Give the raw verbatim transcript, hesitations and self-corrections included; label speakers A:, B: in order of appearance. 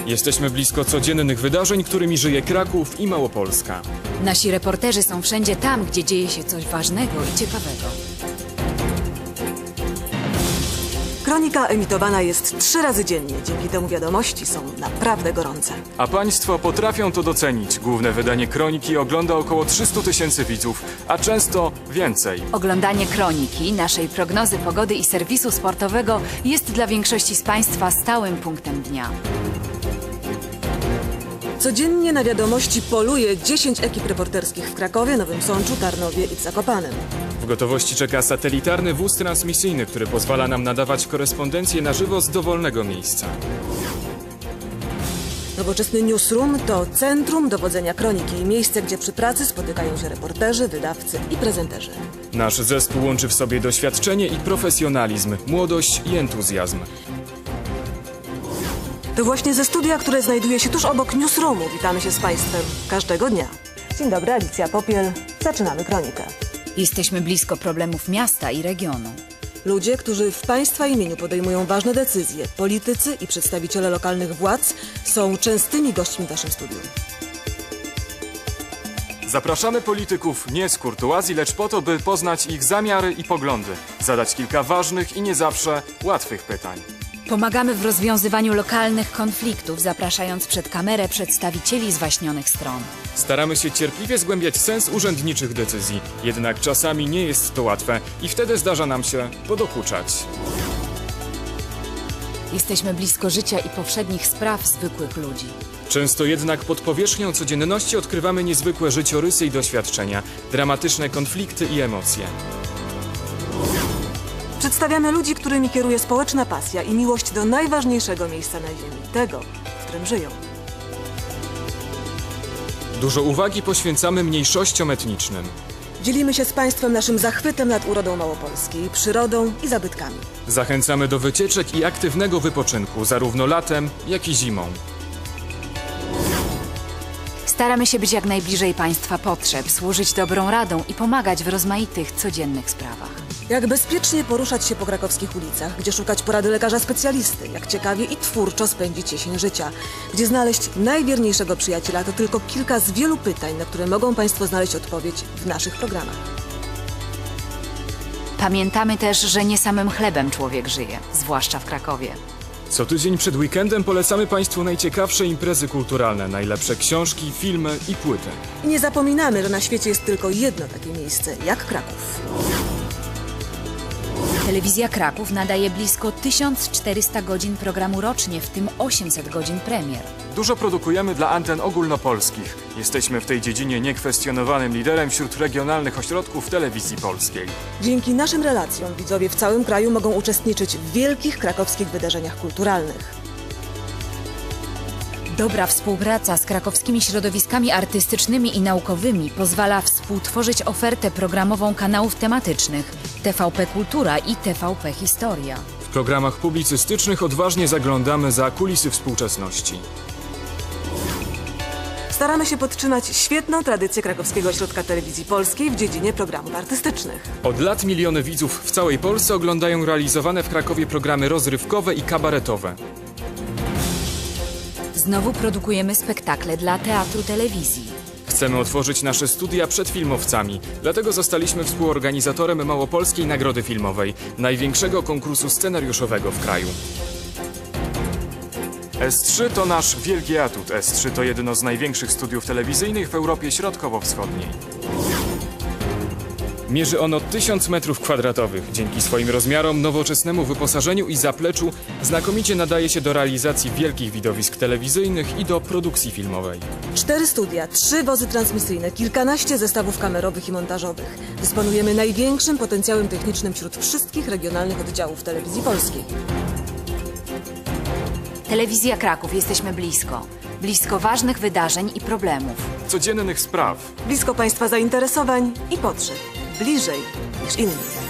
A: Jesteśmy blisko codziennych wydarzeń, którymi żyje Kraków i Małopolska.
B: Nasi reporterzy są wszędzie tam, gdzie dzieje się coś ważnego i ciekawego.
C: Kronika emitowana jest trzy razy dziennie. Dzięki temu wiadomości są naprawdę gorące.
A: A państwo potrafią to docenić. Główne wydanie Kroniki ogląda około trzysta tysięcy widzów, a często więcej.
B: Oglądanie Kroniki, naszej prognozy pogody i serwisu sportowego jest dla większości z Państwa stałym punktem dnia.
C: Codziennie na wiadomości poluje dziesięć ekip reporterskich w Krakowie, Nowym Sączu, Tarnowie i Zakopanem.
A: W gotowości czeka satelitarny wóz transmisyjny, który pozwala nam nadawać korespondencję na żywo z dowolnego miejsca.
C: Nowoczesny newsroom to centrum dowodzenia kroniki i miejsce, gdzie przy pracy spotykają się reporterzy, wydawcy i prezenterzy.
A: Nasz zespół łączy w sobie doświadczenie i profesjonalizm, młodość i entuzjazm.
C: To właśnie ze studia, które znajduje się tuż obok newsroomu, witamy się z Państwem każdego dnia. Dzień dobry, Alicja Popiel. Zaczynamy kronikę.
B: Jesteśmy blisko problemów miasta i regionu.
C: Ludzie, którzy w Państwa imieniu podejmują ważne decyzje, politycy i przedstawiciele lokalnych władz są częstymi gośćmi w naszym studium.
A: Zapraszamy polityków nie z kurtuazji, lecz po to, by poznać ich zamiary i poglądy, zadać kilka ważnych i nie zawsze łatwych pytań.
B: Pomagamy w rozwiązywaniu lokalnych konfliktów, zapraszając przed kamerę przedstawicieli zwaśnionych stron.
A: Staramy się cierpliwie zgłębiać sens urzędniczych decyzji, jednak czasami nie jest to łatwe i wtedy zdarza nam się podokuczać.
B: Jesteśmy blisko życia i powszednich spraw zwykłych ludzi.
A: Często jednak pod powierzchnią codzienności odkrywamy niezwykłe życiorysy i doświadczenia, dramatyczne konflikty i emocje.
C: Przedstawiamy ludzi, którymi kieruje społeczna pasja i miłość do najważniejszego miejsca na ziemi, tego, w którym żyją.
A: Dużo uwagi poświęcamy mniejszościom etnicznym.
C: Dzielimy się z Państwem naszym zachwytem nad urodą Małopolski, przyrodą i zabytkami.
A: Zachęcamy do wycieczek i aktywnego wypoczynku, zarówno latem, jak i zimą.
B: Staramy się być jak najbliżej Państwa potrzeb, służyć dobrą radą i pomagać w rozmaitych, codziennych sprawach.
C: Jak bezpiecznie poruszać się po krakowskich ulicach, gdzie szukać porady lekarza specjalisty, jak ciekawie i twórczo spędzić jesień życia, gdzie znaleźć najwierniejszego przyjaciela, to tylko kilka z wielu pytań, na które mogą Państwo znaleźć odpowiedź w naszych programach.
B: Pamiętamy też, że nie samym chlebem człowiek żyje, zwłaszcza w Krakowie.
A: Co tydzień przed weekendem polecamy Państwu najciekawsze imprezy kulturalne, najlepsze książki, filmy i płyty.
C: I nie zapominamy, że na świecie jest tylko jedno takie miejsce, jak Kraków.
B: Telewizja Kraków nadaje blisko tysiąc czterysta godzin programu rocznie, w tym osiemset godzin premier.
A: Dużo produkujemy dla anten ogólnopolskich. Jesteśmy w tej dziedzinie niekwestionowanym liderem wśród regionalnych ośrodków telewizji polskiej.
C: Dzięki naszym relacjom widzowie w całym kraju mogą uczestniczyć w wielkich krakowskich wydarzeniach kulturalnych.
B: Dobra współpraca z krakowskimi środowiskami artystycznymi i naukowymi pozwala współtworzyć ofertę programową kanałów tematycznych T V P Kultura i T V P Historia.
A: W programach publicystycznych odważnie zaglądamy za kulisy współczesności.
C: Staramy się podtrzymać świetną tradycję Krakowskiego Ośrodka Telewizji Polskiej w dziedzinie programów artystycznych.
A: Od lat miliony widzów w całej Polsce oglądają realizowane w Krakowie programy rozrywkowe i kabaretowe.
B: Znowu produkujemy spektakle dla Teatru Telewizji.
A: Chcemy otworzyć nasze studia przed filmowcami, dlatego zostaliśmy współorganizatorem Małopolskiej Nagrody Filmowej, największego konkursu scenariuszowego w kraju. S trzy to nasz wielki atut. S trzy to jedno z największych studiów telewizyjnych w Europie Środkowo-Wschodniej. Mierzy ono tysiąc metrów kwadratowych. Dzięki swoim rozmiarom, nowoczesnemu wyposażeniu i zapleczu znakomicie nadaje się do realizacji wielkich widowisk telewizyjnych i do produkcji filmowej.
C: Cztery studia, trzy wozy transmisyjne, kilkanaście zestawów kamerowych i montażowych. Dysponujemy największym potencjałem technicznym wśród wszystkich regionalnych oddziałów Telewizji Polskiej.
B: Telewizja Kraków, jesteśmy blisko. Blisko ważnych wydarzeń i problemów.
A: Codziennych spraw.
C: Blisko Państwa zainteresowań i potrzeb. Bliżej niż inni.